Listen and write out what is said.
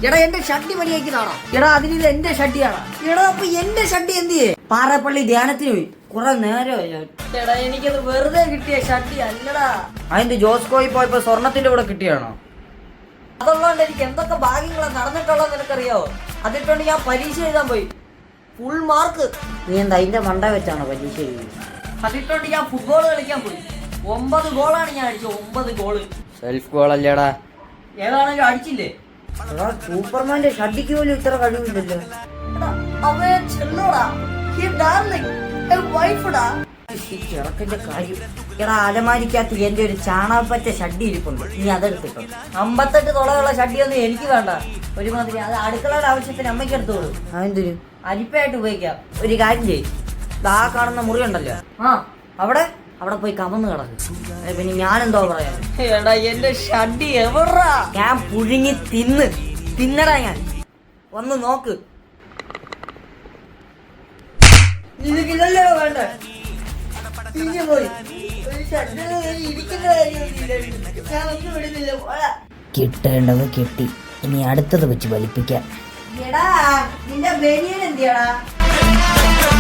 എടാ എന്റെ ഷഡ്ഡി മണിയാക്കിയതാണോ? എടാ അതിനിത് എന്റെ ഷഡ്ഡിയാണ്. എടാ അപ്പൊ എന്റെ ഷഡ്ഡി എന്ത് ചെയ്യേ? പാറപ്പള്ളി ധ്യാനത്തിന് പോയി കുറെ നേരമായി ഞാൻ. എടാ എനിക്കത് വെറുതെ കിട്ടിയ ഷഡ്ഡി അല്ലടാ. അതിന്റെ ജോസ്കോയിൽ പോയപ്പോ സ്വർണത്തിന്റെ കൂടെ കിട്ടിയാണോ? അതുള്ളതുകൊണ്ട് എനിക്ക് എന്തൊക്കെ ഭാഗ്യങ്ങളാണ് നടന്നിട്ടുള്ളത് നിനക്കറിയാവോ? അതിട്ടുണ്ട് ഞാൻ പരീക്ഷ എഴുതാൻ പോയി, ഫുൾ മാർക്ക്. നീ എന്താ അതിന്റെ മണ്ട വെച്ചാണോ പരീക്ഷ എഴുതി? അതിട്ടുണ്ട് ഞാൻ ഫുട്ബോൾ കളിക്കാൻ പോയി, 9 ഗോളാണ് ഞാൻ അടിച്ചത്. 9 ഗോള് സെൽഫ് ഗോൾ അല്ലേടാ. ഏതാണെങ്കിലും അടിച്ചില്ലേ? സൂപ്പർമാന്റെ ഷഡ്ഡിക്ക് പോലും ഇത്ര കഴിവില്ലല്ലോ. ചെറുക്കന്റെ കാര്യം. എടാ അലമാരിക്കകത്ത് എന്റെ ഒരു ചാണകപ്പറ്റ ഷഡ്ഡി ഇരിപ്പുണ്ട്, നീ അതെടുത്തിട്ടോ. 58 തുളയുള്ള ഷഡ്ഡിയൊന്നും എനിക്ക് വേണ്ട. ഒരുമാതിരി അത് അടുക്കളയുടെ ആവശ്യത്തിന് അമ്മയ്ക്ക് എടുത്തോളൂ. അതെന്തൊരു അരിപ്പയായിട്ട് ഉപയോഗിക്കാം. ഒരു കാര്യം ചെയ്യും, ആ കാണുന്ന മുറി ഉണ്ടല്ലോ, അവിടെ പോയി കമന്ന് കിടക്കും. പിന്നെ ഞാനെന്തോ പറയാ? എടാ എന്റെ ഷഡ്ഡി എവിടാ? ഞാൻ പുഴുങ്ങി തിന്നടാ ഞാൻ. ഒന്ന് നോക്ക്. ഇതിലല്ലോ വേണ്ട, പോയി കിട്ടേണ്ടത് കിട്ടി, ഇനി അടുത്തത് വെച്ച് വലിപ്പിക്കാം. എടാ നിന്റെ ബനിയൻ എന്തിയാടാ?